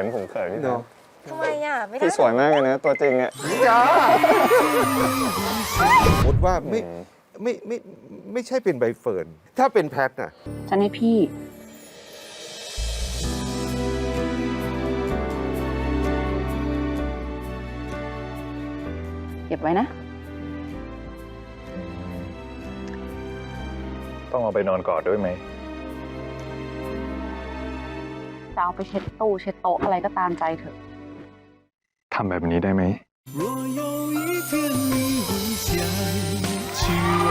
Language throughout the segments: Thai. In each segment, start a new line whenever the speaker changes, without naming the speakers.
ผมเขินพี่
เนาะ
ทำไมอ่ะ ไม่ได้
พี่สวยมากเลยนะตัวจริงอ่ะ
จ้าสมมติว่าไม่
อืม
ไม่ใช่เป็นใบเฟิร์นถ้าเป็นแพทน่ะ
ฉันให้พี่ เก็บไว้นะ
ต้องเอาไปนอนกอดด้วยไหม
จะเอาไปเช็ดตู้เช็ดโต๊ะอะไรก็ตามใจเถอะ
ทำแบบนี้ได้ไหม
若有一天你会想起我，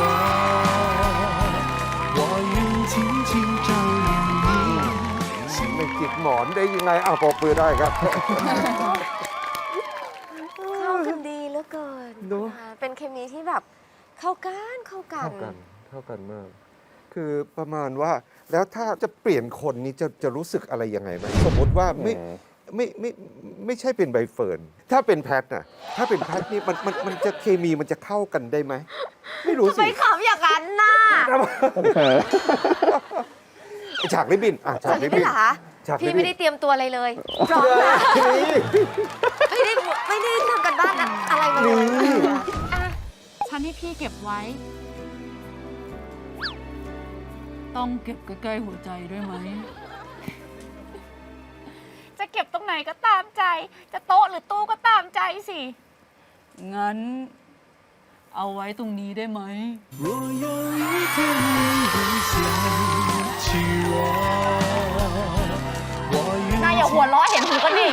我愿紧紧照亮你。
ไม่จิกหมอนได้ยังไงอ้าวปรบมือได้ครับ
เข้ากันดีเหลือเกิน
เนอะ
นะคะเป็นเคมีที่แบบเข้ากันเข้ากัน
เท่ากันมาก คือประมาณว่าแล้วถ้าจะเปลี่ยนคนนี้จะรู้สึกอะไรยังไงไหมสมมติว่าไม่ใช่เป็นใบเฟิร์นถ้าเป็นแพทน่ะถ้าเป็นแพทนี่มันจะเคมีมันจะเข้ากันได้ไหมไม่รู้
ทำ
สิ
ไมขำอย่างนั้นน่ะ
ฉากริบบินอ่ะฉากริบ
พี่
บิน
เหรอคะ
ฉาก
พี่
ริบบิ
ไม่
น
ได้เตรียมตัวอะไรเลยพร้อมนะไม่ได้ทำกันบ้านอะไรมาเลยอ่ะ
ฉันให้พี่เก็บไว้ ต้องเก็บใกล้ๆหัวใจด้วยไหม จะเก็บตรงไหนก็ตามใจ จะโต๊ะหรือตู้ก็ตามใจสิ งั้น เอาไว้ตรงนี้ได้ไหม
若有一天你会想起我，我愿
นายอย่าหัวล้อเห็นหูกันดิ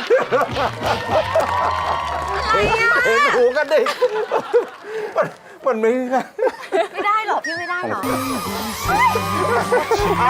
เห็นหูกันดิมันไม่ง่าย
ไม่ได้หรอพี่ไม่ได้หรอ
เอา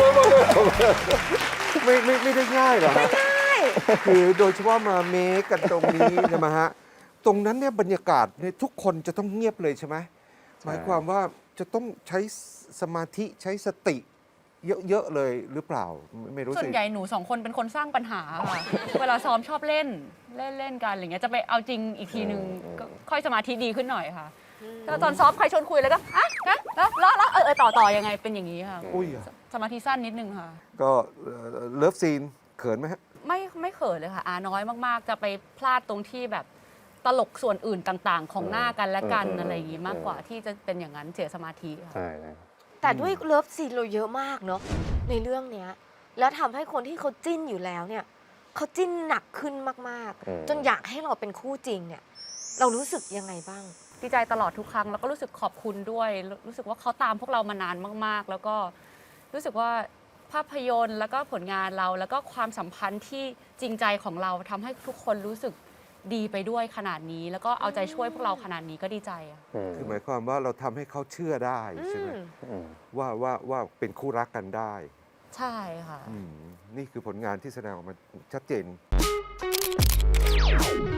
ไม่ได้ง่ายหรอฮะคือโดยเฉพาะมาเมคกันตรงนี้ใช่ไหมฮะตรงนั้นเนี่ยบรรยากาศเนี่ยทุกคนจะต้องเงียบเลยใช่ไหมหมายความว่าจะต้องใช้สมาธิใช้สติ เยอะๆเลยหรือเปล่าไม่รู้
ส่ว
สิ
นใหญ่หนูสองคนเป็นคนสร้างปัญหาค่ะ เวลาซ้อมชอบเล่นกันอะไรเงี้ย จะไปเอาจริงอีกทีนึงก็ค่อยสมาธิดีขึ้นหน่อยค่ะแล้วตอนซ้อมใครชวนคุยแล้วก็อ่ะนะแล้วต่อยังไงเป็นอย่างนี้ค่ะ
อุ้ย
สมาธิสั้นนิดนึงค่ะ
ก็เลิฟซีนเขินไหมฮะ
ไม่เขินเลยค่ะน้อยมากๆ จะไปพลาดตรงที่แบบตลกส่วนอื่นต่างๆ ของหน้ากันและกันอะไรอย่างงี้มากกว่าที่จะเป็นอย่างนั้นเสียสมาธิค่ะ
ใช่
แต่ด้วยเลิฟซีนเราเยอะมากเนาะในเรื่องเนี้ยแล้วทำให้คนที่เขาจิ้นอยู่แล้วเนี่ยเขาจิ้นหนักขึ้นมากๆ จนอยากให้เราเป็นคู่จริงเนี่ยเรารู้สึกยังไงบ้าง
ดีใจตลอดทุกครั้งแล้วก็รู้สึกขอบคุณด้วย รู้สึกว่าเขาตามพวกเรามานานมากๆ แล้วก็รู้สึกว่าภาพยนตร์แล้วก็ผลงานเราแล้วก็ความสัมพันธ์ที่จริงใจของเราทำให้ทุกคนรู้สึกดีไปด้วยขนาดนี้ แล้วก็เอาใจช่วยพวกเราขนาดนี้ก็ดีใจอะ
คือหมายความว่าเราทำให้เขาเชื่อได้ใช่ไหมว่าเป็นคู่รักกันได้
ใช่ค่ะ
นี่คือผลงานที่แสดงออกมาชัดเจน